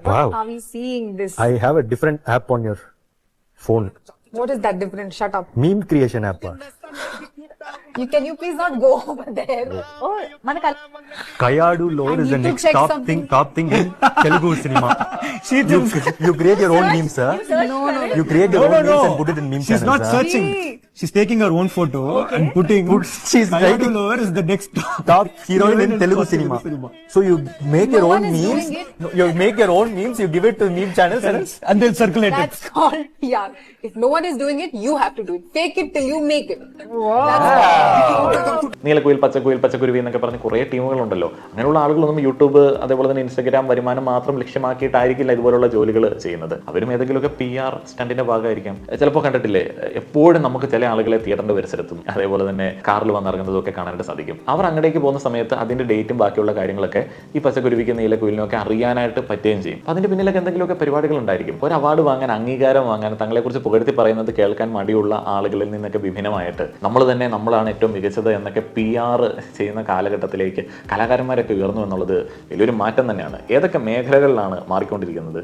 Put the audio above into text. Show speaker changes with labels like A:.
A: Wow.
B: Are we seeing this?
A: I have a different app on your phone.
B: What is that different? Shut up.
A: Meme creation app.
B: Can you please not go over there? Oh, manaka.
A: Kayadu Lord
B: I
A: is the
B: need to
A: next
B: check
A: top
B: something.
A: thing in Telugu cinema. You create your own memes, sir.
B: No.
A: You create your own memes and put it in meme
C: She's
A: channels.
C: not
A: sir.
C: searching. She's taking her own photo and putting.
A: She's
C: Kayadu
A: writing
C: Lower is the next
A: top heroine in Telugu cinema. So you make your
B: No
A: own
B: one is
A: memes.
B: doing it.
A: No, you make your own memes. You give it to meme channels.
C: and they'll circulate it.
B: That's called PR. If no one is doing it, you have to do it. Fake it till you make it.
D: നീലക്കുയിൽ പച്ചക്കുയിൽ പച്ചക്കുരുവി എന്നൊക്കെ പറഞ്ഞ് കുറേ ടീമുകളുണ്ടല്ലോ. അങ്ങനെയുള്ള ആളുകളൊന്നും YouTube അതേപോലെ തന്നെ Instagram വരുമാനം മാത്രം ലക്ഷ്യമാക്കിയിട്ടായിരിക്കില്ല ഇതുപോലുള്ള ജോലികൾ ചെയ്യുന്നത്. അവരും ഏതെങ്കിലുമൊക്കെ PR സ്റ്റണ്ടിന്റെ ഭാഗമായിരിക്കാം. ചിലപ്പോൾ കണ്ടിട്ടില്ലേ, എപ്പോഴും നമുക്ക് ചില ആളുകളെ തിയേറ്ററിന്റെ പരിസരത്തും അതേപോലെ തന്നെ കാറിൽ വന്നിറങ്ങുന്നതും ഒക്കെ കാണാനായിട്ട് സാധിക്കും. അവർ അങ്ങടേക്ക് പോകുന്ന സമയത്ത് അതിന്റെ ഡേറ്റും ബാക്കിയുള്ള കാര്യങ്ങളൊക്കെ ഈ പച്ചക്കുരുവിക്കും നീലക്കുയിലിനും ഒക്കെ അറിയാനായിട്ട് പറ്റുകയും ചെയ്യും. അപ്പം അതിന്റെ പിന്നിലൊക്കെ എന്തെങ്കിലുമൊക്കെ പരിപാടികൾ ഉണ്ടായിരിക്കും. ഒരു അവാർഡ് വാങ്ങാൻ, അംഗീകാരം വാങ്ങാൻ, തങ്ങളെക്കുറിച്ച് പുകഴ്ത്തി പറയുന്നത് കേൾക്കാൻ മടിയുള്ള ആളുകളിൽ നിന്നൊക്കെ വിഭിന്നമായിട്ട് നമ്മളാണ് ഏറ്റവും മികച്ചത് എന്നൊക്കെ PR ചെയ്യുന്ന കാലഘട്ടത്തിലേക്ക് കലാകാരന്മാരൊക്കെ ഉയർന്നു എന്നുള്ളത് വലിയൊരു മാറ്റം തന്നെയാണ്. ഏതൊക്കെ മേഖലകളിലാണ് മാറിക്കൊണ്ടിരിക്കുന്നത്?